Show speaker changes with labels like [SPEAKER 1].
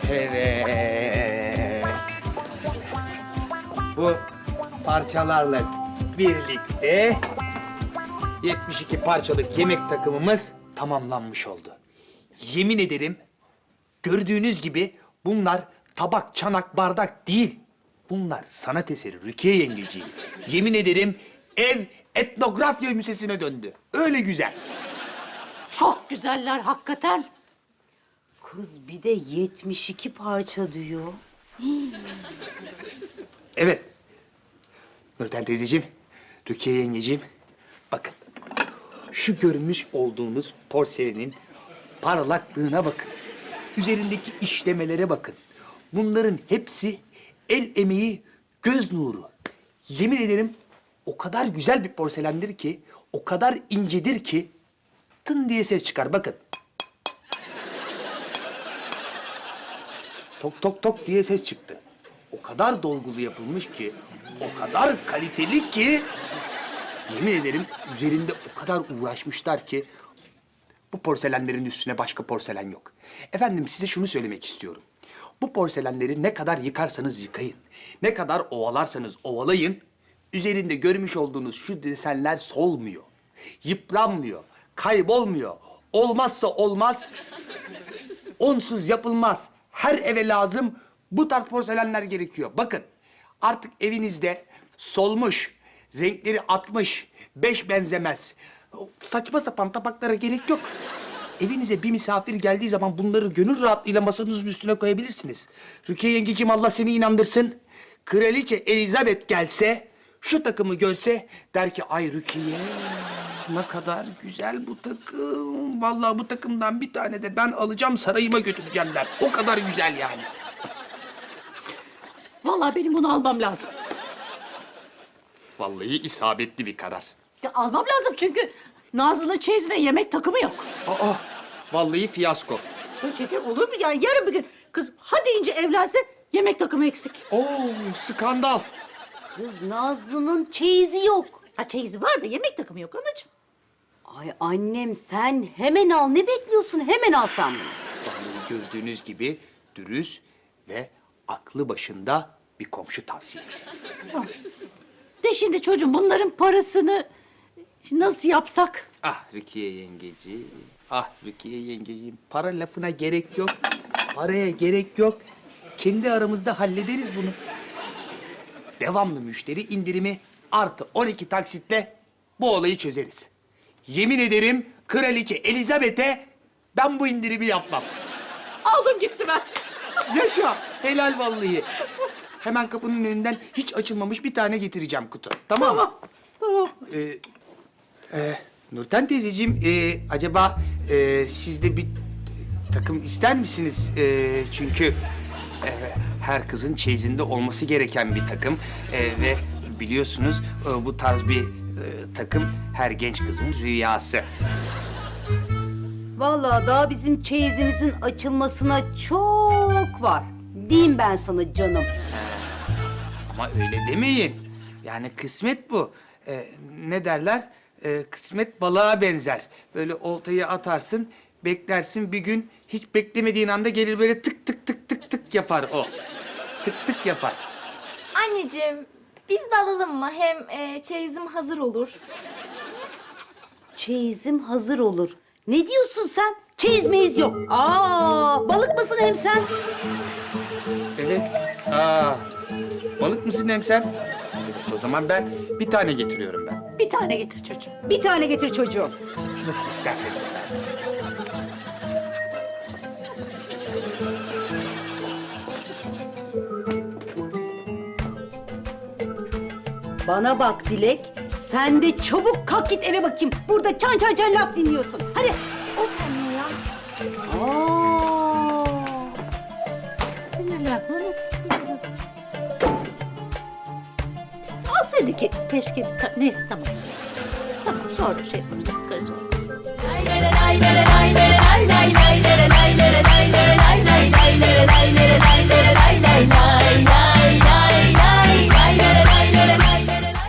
[SPEAKER 1] Evet. Bu parçalarla birlikte 72 parçalık yemek takımımız tamamlanmış oldu. Yemin ederim gördüğünüz gibi bunlar tabak, çanak, bardak değil. Bunlar sanat eseri Rukiye yengeciğim. Yemin ederim ev etnografya müzesine döndü. Öyle güzel.
[SPEAKER 2] Çok güzeller hakikaten.
[SPEAKER 3] Kız bir de 72 parça diyor.
[SPEAKER 1] Evet. Nurten teyzeciğim, Rukiye yengeciğim. Bakın. Şu görmüş olduğunuz porselenin parlaklığına bakın. Üzerindeki işlemelere bakın. Bunların hepsi el emeği, göz nuru. Yemin ederim o kadar güzel bir porselendir ki, o kadar incedir ki tın diye ses çıkar. Bakın. Tok tok tok diye ses çıktı. O kadar dolgulu yapılmış ki, o kadar kaliteli ki... Yemin ederim üzerinde o kadar uğraşmışlar ki... Bu porselenlerin üstüne başka porselen yok. Efendim size şunu söylemek istiyorum. Bu porselenleri ne kadar yıkarsanız yıkayın, ne kadar ovalarsanız ovalayın... Üzerinde görmüş olduğunuz şu desenler solmuyor, yıpranmıyor, kaybolmuyor. Olmazsa olmaz, onsuz yapılmaz. Her eve lazım bu tarz porselenler gerekiyor. Bakın artık evinizde solmuş, renkleri atmış, beş benzemez. Saçma sapan tabaklara gerek yok. Evinize bir misafir geldiği zaman bunları gönül rahatlığıyla masanızın üstüne koyabilirsiniz. Rukiye yengeciğim Allah seni inandırsın. Kraliçe Elizabeth gelse, şu takımı görse der ki ay Rukiye ne kadar güzel bu takım. Vallahi bu takımdan bir tane de ben alacağım sarayıma götüreceğim der. O kadar güzel yani.
[SPEAKER 2] Vallahi benim bunu almam lazım.
[SPEAKER 1] Vallahi isabetli bir karar.
[SPEAKER 2] Ya almam lazım çünkü Nazlı'nın çeyizine yemek takımı yok.
[SPEAKER 1] Aa, vallahi fiyasko.
[SPEAKER 2] Ya şeker olur mu? Yani yarın bir gün kız hadi ince evlense yemek takımı eksik.
[SPEAKER 1] Oo, skandal.
[SPEAKER 3] Kız Nazlı'nın çeyizi yok.
[SPEAKER 2] Ha çeyizi var da yemek takımı yok anacığım.
[SPEAKER 3] Ay annem sen hemen al. Ne bekliyorsun? Hemen al sen bunu.
[SPEAKER 1] Vallahi gördüğünüz gibi dürüst ve aklı başında bir komşu tavsiyesi.
[SPEAKER 2] De şimdi çocuğum bunların parasını nasıl yapsak?
[SPEAKER 1] Ah Rukiye yengeciğim, ah Rukiye yengeciğim. Para lafına gerek yok, paraya gerek yok. Kendi aramızda hallederiz bunu. Devamlı müşteri indirimi artı 12 taksitle bu olayı çözeriz. Yemin ederim Kraliçe Elizabeth'e ben bu indirimi yapmam.
[SPEAKER 2] Aldım gitti ben.
[SPEAKER 1] Yaşa, helal vallahi. Hemen kapının önünden hiç açılmamış bir tane getireceğim kutu. Tamam mı?
[SPEAKER 2] Tamam.
[SPEAKER 1] Nurten teyzeciğim, acaba siz de bir takım ister misiniz? Çünkü her kızın çeyizinde olması gereken bir takım. Ve biliyorsunuz bu tarz bir takım her genç kızın rüyası.
[SPEAKER 3] Vallahi daha bizim çeyizimizin açılmasına çok var. Diyeyim ben sana canım.
[SPEAKER 1] Ama öyle demeyin. Yani kısmet bu. Ne derler? Kısmet balığa benzer. Böyle oltayı atarsın, beklersin bir gün hiç beklemediğin anda gelir böyle tık tık tık tık tık yapar o. Tık tık yapar.
[SPEAKER 4] Anneciğim, biz de alalım mı? Hem çeyizim hazır olur.
[SPEAKER 3] Çeyizim hazır olur. Ne diyorsun sen? Çeyiz meyiz yok. Aa, balık mısın hem sen?
[SPEAKER 1] Evet. Balık mısın hem sen? Evet, o zaman ben bir tane getiriyorum ben.
[SPEAKER 2] Bir tane getir çocuğum.
[SPEAKER 3] Bir tane getir çocuğum.
[SPEAKER 1] Nasıl isterseniz.
[SPEAKER 3] Bana bak Dilek. Sen de çabuk kalk git eve bakayım. Burada çan çan çan laf dinliyorsun. Hadi.
[SPEAKER 4] Of anne ya.
[SPEAKER 3] Aa.
[SPEAKER 2] Sinirlenme anacığım, sinirlenme. Alsaydı ki keşke. Neyse tamam. Tamam sonra şey yaparız. Bakarız olmaz.